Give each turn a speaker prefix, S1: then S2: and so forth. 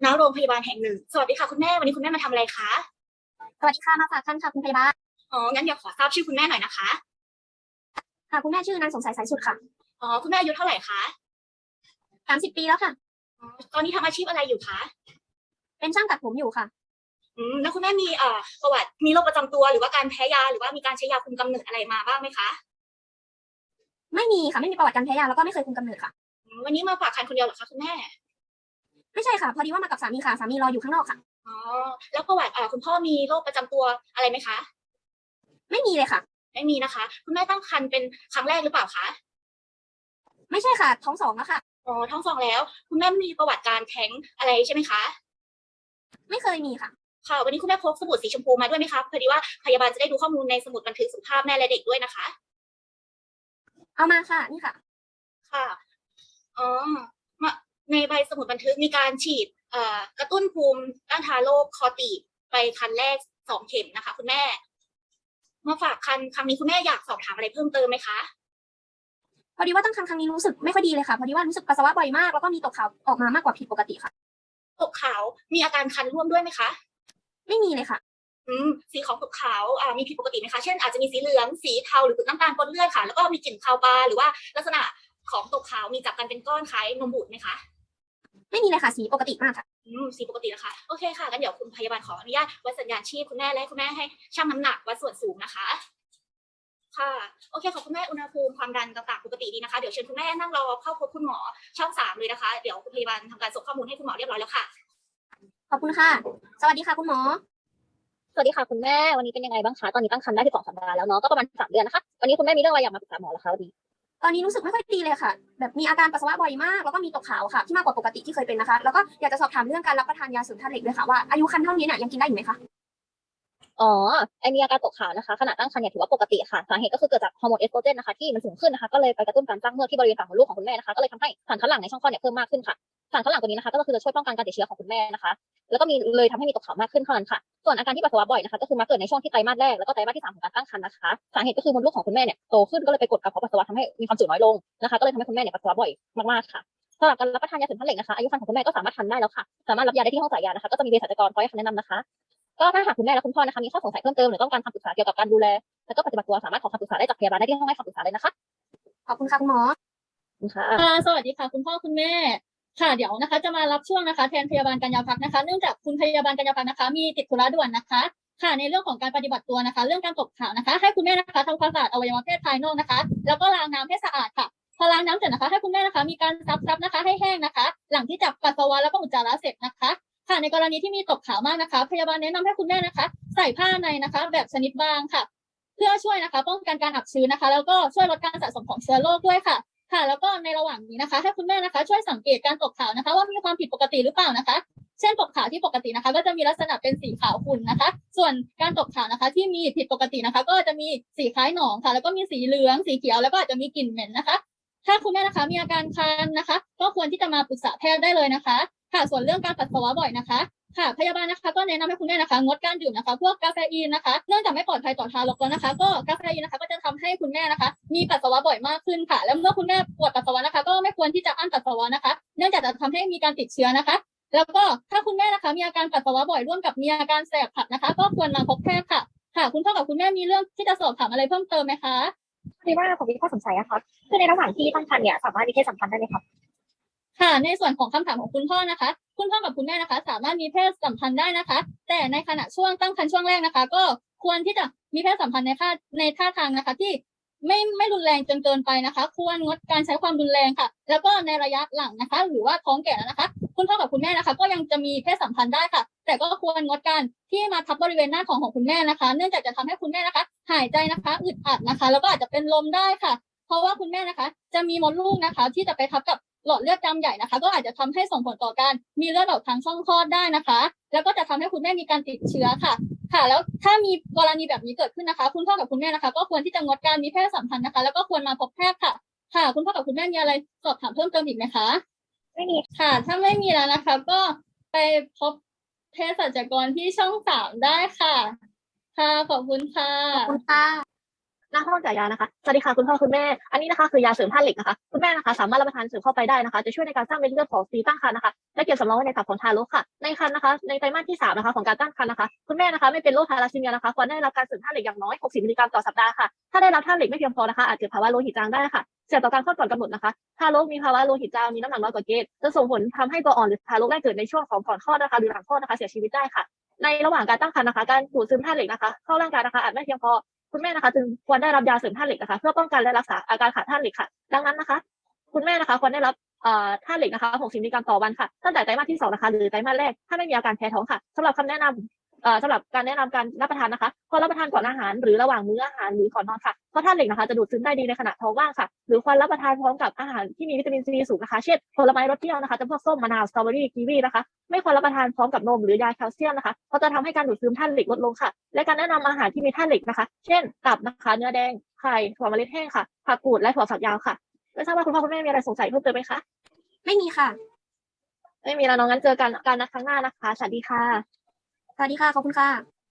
S1: ณโรงพยาบาลแห่งหนึ่งสวัสดีค่ะคุณแม่วันนี้คุณแม่มาทำอะไรคะ
S2: สวัสดีค่ะมาฝากคันค่ะคุณพยาบาล
S1: อ๋องั้นเดี๋ยวขอทราบชื่อคุณแม่หน่อยนะคะ
S2: ค่ะคุณแม่ชื่อนางสมสายสายสุดค่ะ
S1: อ๋อคุณแม่อายุเท่าไหร่คะ
S2: 30 ปีแล้วค่ะ
S1: อ๋อตอนนี้ทำอาชีพอะไรอยู่คะ
S2: เป็นช่างตัดผมอยู่ค่ะ
S1: แล้วคุณแม่มีประวัติมีโรคประจำตัวหรือว่าการแพ้ยาหรือว่ามีการใช้ยาคุมกำเนิดอะไรมาบ้างไหมคะ
S2: ไม่มีค่ะไม่มีประวัติการแพ้ยาแล้วก็ไม่เคยคุมกำเนิดค่ะ
S1: วันนี้มาฝากคันคนเดียวเหรอคะคุณแม่
S2: ไม่ใช่ค่ะพอดีว่ามากับสามีค่ะสามีรออยู่ข้างนอกค่ะ
S1: อ๋อแล้วประวัติคุณพ่อมีโรคประจำตัวอะไรไหมคะ
S2: ไม่มีเลยค่ะ
S1: ไม่มีนะคะคุณแม่ตั้งครรภ์เป็นครั้งแรกหรือเปล่าคะ
S2: ไม่ใช่ค่ะท้อง2แล้วค่ะ
S1: อ๋อท้องสองแล้วคุณแม่มีประวัติการแท้งอะไรใช่ไหมคะ
S2: ไม่เคยมีค่ะ
S1: ค่ะวันนี้คุณแม่พกสมุดสีชมพูมาด้วยไหมคะพอดีว่าพยาบาลจะได้ดูข้อมูลในสมุดบันทึกสุขภาพแม่และเด็กด้วยนะคะ
S2: เอามาค่ะนี่ค่ะ
S1: ค่ะอ๋อมาในใบสมุดบันทึกมีการฉีดกระตุ้นภูมิต้านทานโรคคอตีบไปคันแรก2 เข็มนะคะคุณแม่มาฝากคันครั้งนี้คุณแม่อยากสอบถามอะไรเพิ่มเติมไหมคะ
S2: พอดีว่าตั้งครรภ์ครั้งนี้รู้สึกไม่ค่อยดีเลยค่ะพอดีว่ารู้สึกปัสสาวะบ่อยมากแล้วก็มีตกขาวออกมามากกว่าผิดปกติค่ะ
S1: ตกขาวมีอาการคันร่วมด้วยไหมคะ
S2: ไม่มีเลยค่ะ
S1: สีของตกขาวมีผิดปกติไหมคะเช่นอาจจะมีสีเหลืองสีเทาหรือน้ำตาลปนเลือดค่ะแล้วก็มีกลิ่นคาวปลาหรือว่าลักษณะของตกขาวมีจับกันเป็นก้อนคล้ายนมบูดไหมคะ
S2: ไม่มีเลยค่ะสีปกติมากค่ะ
S1: สีปกตินะคะโอเคค่ะงั้นเดี๋ยวคุณพยาบาลขออนุญาตวัดสัญญาณชีพคุณแม่และคุณแม่ให้ชั่งน้ำหนักวัดส่วนสูงนะคะค่ะโอเคขอบคุณแม่อุณหภูมิความดันต่างๆปกติดีนะคะเดี๋ยวเชิญคุณแม่นั่งรอเข้าพบคุณหมอช่อง 3เลยนะคะเดี๋ยวคุณพยาบาลทำการส่งข้อมูลให้คุณหมอเรียบร้อยแล้วค่ะ
S2: ขอบคุณค่ะสวัสดีค่ะคุณหมอ
S3: สวัสดีค่ะคุณแม่วันนี้เป็นยังไงบ้างคะตอนนี้ตั้งครรภ์ได้12 สัปดาห์แล้วเนาะก็ประมาณ3 เดือนนะคะวันนี้คุณแม่มีเรื่องอะไรอยากมาปรึกษาหมอเหรอคะวันนี้
S2: ตอนนี้รู้สึกไม่ค่อยดีเลยค่ะแบบมีอาการปัสสาวะบ่อยมากแล้วก็มีตกขาวค่ะที่มากกว่าปกติที่เคยเป็นนะคะแล้วก็อยากจะสอบถามเรื่องการรับประทานยาเสริมธาตุเหล็กด้วยค่ะว่าอายุครรภ์เท่านี้เนี่ยยังกินได้อยู่ไหมคะ
S3: อ๋อมีอาการตกขาวนะคะขณะตั้งครรภ์เนี่ยถือว่าปกติค่ะสาเหตุก็คือเกิดจากฮอร์โมนเอสโตรเจนนะคะที่มันสูงขึ้นนะคะก็เลยไปกระตุ้นการสร้างเมือกที่บริเวณปากมดลูกของคุณแม่นะคะก็เลยทำให้สารคัดหลั่งในช่องคลอดเนี่ยเพิ่มมากขึ้นค่ะสารคัดหลั่งตัวนี้นะคะก็คือจะช่วยป้องกันการติดเชื้อของคุณแม่นะคะแล้วก็เลยทำให้มีตกขาวมากขึ้นเท่านั้นค่ะส่วนอาการที่ปัสสาวะบ่อยนะคะก็คือมาเกิดในช่วงที่ไตรมาสแรกแล้วก็ไตรมาสที่3ของการตั้งครรภ์นะคะสาเหตุก็คือมดลูกของคุณแม่เนี่ยโตขึ้นก็เลยไปกดกระเพาะปัสสาวะทำให้มีความจุน้อยลงนะคะก็เลยทำให้คุณแม่เนี่ยปัสสาวะบ่อยมากๆค่ะสำหรับการรับประทานยาเสริมธาตุเหล็กนะคะอายุครรภ์ของคุณแม่ก็สามารถทานได้แล้วค่ะสามารถรับยาได้ที่ห้องจ่ายยานะคะก็จะมีเภสัชกรคอยให้คำแนะนำนะคะก็ถ้าหากคุณแม่และคุณพ่อนะคะมีข้อสงสัยเพิ่มเติมหรือต้องการคำปรึกษาเกี่ยวกับการดูแลแล้วก็ปฏิบัติตัวสามารถขอคำปรึกษาได้จากพยาบาลได้ที่ห้องให้คำปรึกษาเลยนะคะ
S2: ขอบคุณค่ะคุณหมอ
S3: ค่ะ
S4: สวัสดีค่ะคุณพ่อคุณแม่ค่ะเดี๋ยวนะคะจะมารับช่วงนะคะแทนพยาบาลกัญญาภักดิ์นะคะเนื่องจากคุณพยาบาลกัญญาภักดิ์นะคะมีติดธุระด่วนนะคะค่ะในเรื่องของการปฏิบัติตัวนะคะเรื่องการตกขาวนะคะให้คุณแม่นะคะทำความสะอาดอวัยวะเพศภายนอกนะคะแล้วก็ล้างน้ำให้สะอาดค่ะพอล้างน้ำเสร็จนะคะให้คุณแม่นะคะมีการซับนะคะให้แห้งนะคะหลังที่จับปัสสาวะแล้วก็อุจจาระเสร็จนะคะค่ะในกรณีที่มีตกขาวมากนะคะพยาบาลแนะนำให้คุณแม่นะคะใส่ผ้าในนะคะแบบชนิดบางค่ะเพื่อช่วยนะคะป้องกันการอับชื้นนะคะแล้วก็ช่วยลดการสะสมของเชื้อโรคด้วยค่ะค่ะแล้วก็ในระหว่างนี้นะคะให้คุณแม่นะคะช่วยสังเกตการตกขาวนะคะว่ามีความผิดปกติหรือเปล่านะคะเช่นตกขาวที่ปกตินะคะก็จะมีลักษณะเป็นสีขาวขุ่นนะคะส่วนการตกขาวนะคะที่มีผิดปกตินะคะก็จะมีสีคล้ายหนองค่ะแล้วก็มีสีเหลืองสีเขียวแล้วก็อาจจะมีกลิ่นเหม็นนะคะถ้าคุณแม่นะคะมีอาการคันนะคะก็ควรที่จะมาปรึกษาแพทย์ได้เลยนะคะค่ะส่วนเรื่องการปัสสาวะบ่อยนะคะค่ะพยาบาลนะคะก็แนะนำให้คุณแม่นะคะงดการดื่มนะคะพวกกาเฟอีนนะคะเนื่องจากไม่ปลอดภัยต่อทารกแล้วนะคะก็กาเฟอีนนะคะก็จะทำให้คุณแม่นะคะมีปัสสาวะบ่อยมากขึ้นค่ะแล้วเมื่อคุณแม่ปวดปัสสาวะนะคะก็ไม่ควรที่จะอั้นปัสสาวะนะคะเนื่องจากจะทำให้มีการติดเชื้อนะคะแล้วก็ถ้าคุณแม่นะคะมีอาการปัสสาวะบ่อยร่วมกับมีอาการแสบขัดนะคะก็ควรมาพบแพทย์ค่ะค่ะคุณพ่อกับคุณแม่มีเรื่องที่จะสอบถามอะไรเพิ่มเติมไหมคะ
S3: คือว่าผมมีข้อสงสัยอะครับคือในระหว่างที่ตั้งครรภ์เนี่ยสามารถมีเพศสัมพันธ์ได้ไหมครับ
S4: ค่ะในส่วนของคำถามของคุณพ่อนะคะคุณพ่อกับคุณแม่นะคะสามารถมีเพศสัมพันธ์ได้นะคะแต่ในขณะช่วงตั้งครรภ์ช่วงแรกนะคะก็ควรที่จะมีเพศสัมพันธ์ในท่าทางนะคะที่ไม่รุนแรงจนเกินไปนะคะควรงดการใช้ความรุนแรงค่ะแล้วก็ในระยะหลังนะคะหรือว่าท้องแก่แล้วนะคะคุณพ่อกับคุณแม่นะคะก็ยังจะมีเพศสัมพันธ์ได้ค่ะแต่ก็ควรงดการที่มาทับบริเวณหน้าท้องของคุณแม่นะคะเนื่องจากจะทำให้คุณแม่นะคะหายใจนะคะอึดอัดนะคะแล้วก็อาจจะเป็นลมได้ค่ะเพราะว่าคุณแม่นะคะจะมีมดลูกนะคะที่จะไปทับกับหลอดเลือดจำใหญ่นะคะก็อาจจะทำให้ส่งผลต่อการมีเลือดออกทางช่องคลอดได้นะคะแล้วก็จะทำให้คุณแม่มีการติดเชื้อค่ะค่ะแล้วถ้ามีกรณีแบบนี้เกิดขึ้นนะคะคุณพ่อกับคุณแม่นะคะก็ควรที่จะงดการมีเพศสัมพันธ์นะคะแล้วก็ควรมาพบแพทย์ค่ะค่ะคุณพ่อกับคุณแม่มีอะไรสอบถามเพิ่มเติมอีกไหมคะ
S3: ไม่มี
S4: ค่ะถ้าไม่มีแล้วนะคะก็ไปพบเภสัชกรที่ช่อง 3ได้ค่ะค่ะขอบคุณค่ะ
S2: ขอบคุณค่ะ
S3: หน้าห้องจ่ายยานะคะสวัสดีค่ะคุณพ่อคุณแม่อันนี้นะคะคือยาเสริมธาตุเหล็กนะคะคุณแม่นะคะสามารถรับประทานเสริมเข้าไปได้นะคะจะช่วยในการสร้างเม็ดเลือดฝอยตั้งครรภ์นะคะและเก็บสำรองไว้ในตับของทารกค่ะในครรภ์นะคะในไตรมาสที่3นะคะของการตั้งครรภ์นะคะคุณแม่นะคะไม่เป็นโรคทาราซีเมียนะคะควรได้รับการเสริมธาตุเหล็กอย่างน้อย60มิลลิกรัมต่อสัปดาห์ค่ะถ้าได้รับธาตุเหล็กไม่เพียงพอนะคะอาจเกิดภาวะโลหิตจางได้ค่ะเสี่ยงต่อการคลอดก่อนกำหนดนะคะทารกมีภาวะโลหิตจางมีน้ำหนักน้อยกว่าเกณฑ์จะส่งผลทำให้ตัวอ่อนหรือทารกแรกเกิดในช่วงของก่อนคลอดนะคะหรือหลังคลอดนะคะเสียชีวิตได้ค่ะในระหว่างการตั้งครรภ์นะคะการดูดซึมธาตุเหล็กนะคะเข้าร่างกายนะคะอาจไม่เพียงพอคุณแม่นะคะจึงควรได้รับยาเสริมธาตุเหล็กนะคะเพื่อป้องกันและรักษาอาการขาดธาตุเหล็กค่ะดังนั้นนะคะคุณแม่นะคะควรได้รับธาตุเหล็กนะคะ60มิลลิกรัมต่อวันค่ะตั้งแต่ไตรมาสที่2นะคะหรือไตรมาสแรกถ้าไม่มีอาการแพ้ท้องค่ะสำหรับคำแนะนำสำหรับการแนะนำการรับประทานนะคะควรรับประทานก่อนอาหารหรือระหว่างมื้ออาหารหรือก่อนนอนค่ะเพราะธาตุเหล็กนะคะจะดูดซึมได้ดีในขณะท้องว่างค่ะหรือควรรับประทานพร้อมกับอาหารที่มีวิตามินซีสูงนะคะเช่นผลไม้รสเปรี้ยวนะคะจำพวกส้มมะนาวสตรอเบอรี่กีวีนะคะไม่ควรรับประทานพร้อมกับนมหรือยาแคลเซียมนะคะเพราะจะทำให้การดูดซึมธาตุเหล็กลดลงค่ะและการแนะนำอาหารที่มีธาตุเหล็กนะคะเช่นตับนะคะเนื้อแดงไข่ถั่วเมล็ดแห้งค่ะผักกูดและถั่วฝักยาวค่ะไม่ทราบว่าคุณพ่อคุณแม่มีอะไรสงสัยเพิ่มเติมไหมคะ
S2: ไม่มีค่ะ
S3: ไม่มีแล้วน้องงั้นเจอกันนะครั้งหน้านะคะสวัสดีค่ะ
S2: สวัสดีค่ะขอบคุณค่ะ